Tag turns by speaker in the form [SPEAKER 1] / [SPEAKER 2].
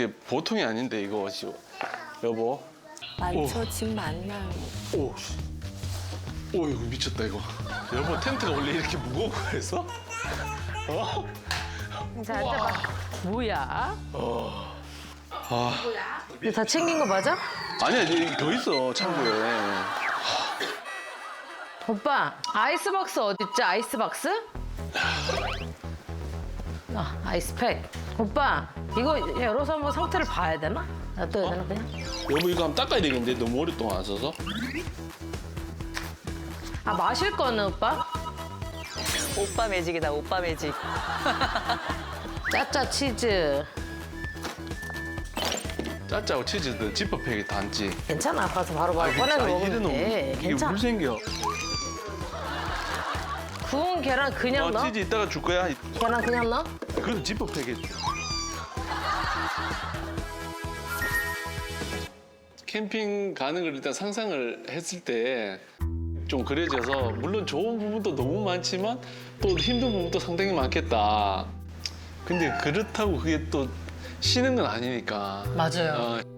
[SPEAKER 1] 이게 보통이 아닌데 이거 여보.
[SPEAKER 2] 많죠, 짐 많나요?
[SPEAKER 1] 오, 오 이거 미쳤다 이거. 여보 텐트가 원래 이렇게 무거운 거였어? 어?
[SPEAKER 2] 자, 앉아봐.
[SPEAKER 3] 뭐야?
[SPEAKER 1] 아,
[SPEAKER 2] 이거 다 챙긴 거 맞아?
[SPEAKER 1] 아니야 이제 더 있어 창고에.
[SPEAKER 2] 오빠, 아이스박스 어딨지? 아이스박스? 아, 아이스팩. 오빠, 이거 열어서 한번 상태를 봐야 되나? 놔둬야 되나 그냥?
[SPEAKER 1] 여보 이거 한번 닦아야 되겠는데 너무 오랫동안 안 써서.
[SPEAKER 2] 아, 마실 거는 오빠?
[SPEAKER 3] 오빠 매직이다, 오빠 매직.
[SPEAKER 2] 짜짜 치즈.
[SPEAKER 1] 짜짜고 치즈도 지퍼팩에 담지.
[SPEAKER 2] 괜찮아, 가서 바로 꺼내서 먹으면 돼.
[SPEAKER 1] 이게
[SPEAKER 2] 괜찮아.
[SPEAKER 1] 물 생겨.
[SPEAKER 2] 구운 계란 그냥 넣어?
[SPEAKER 1] 치즈 이따가 줄 거야.
[SPEAKER 2] 계란 그냥 넣어?
[SPEAKER 1] 그래도 지퍼팩에. 캠핑 가는 걸 일단 상상을 했을 때 좀 그려져서 물론 좋은 부분도 너무 많지만 또 힘든 부분도 상당히 많겠다. 근데 그렇다고 그게 또 쉬는 건 아니니까.
[SPEAKER 2] 맞아요.
[SPEAKER 1] 어,